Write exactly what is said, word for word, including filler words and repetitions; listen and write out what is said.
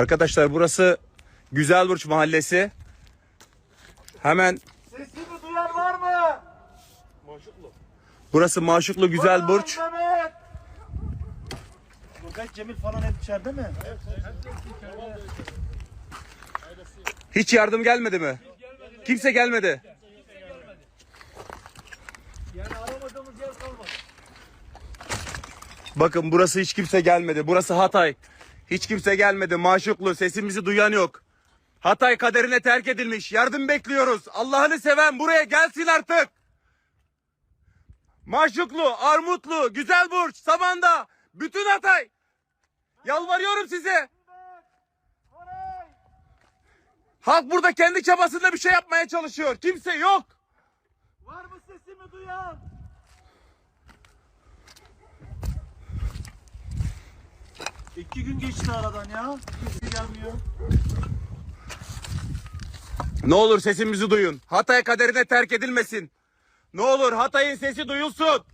Arkadaşlar burası Güzelburç Mahallesi. Hemen Sesimi duyan var mı? Maşuklu. burası Maşuklu Güzelburç. Ulan Mehmet! Nurgay, Cemil falan hep içeride mi? Evet, içeride. Hiç yardım gelmedi mi? Kimse gelmedi. Yani aramadığımız yer kalmadı. Bakın burası hiç kimse gelmedi. Burası Hatay. Hiç kimse gelmedi. Maşuklu, sesimizi duyan yok. Hatay kaderine terk edilmiş. Yardım bekliyoruz. Allah'ını seven buraya gelsin artık. Maşuklu, Armutlu, Güzelburç, Samandağ, bütün Hatay. Yalvarıyorum size. Halk burada kendi çabasıyla bir şey yapmaya çalışıyor. Kimse yok. Var mı sesimi duyan? İki gün geçti aradan ya. Kimse gelmiyor. Ne olur sesimizi duyun. Hatay kaderine terk edilmesin. Ne olur Hatay'ın sesi duyulsun.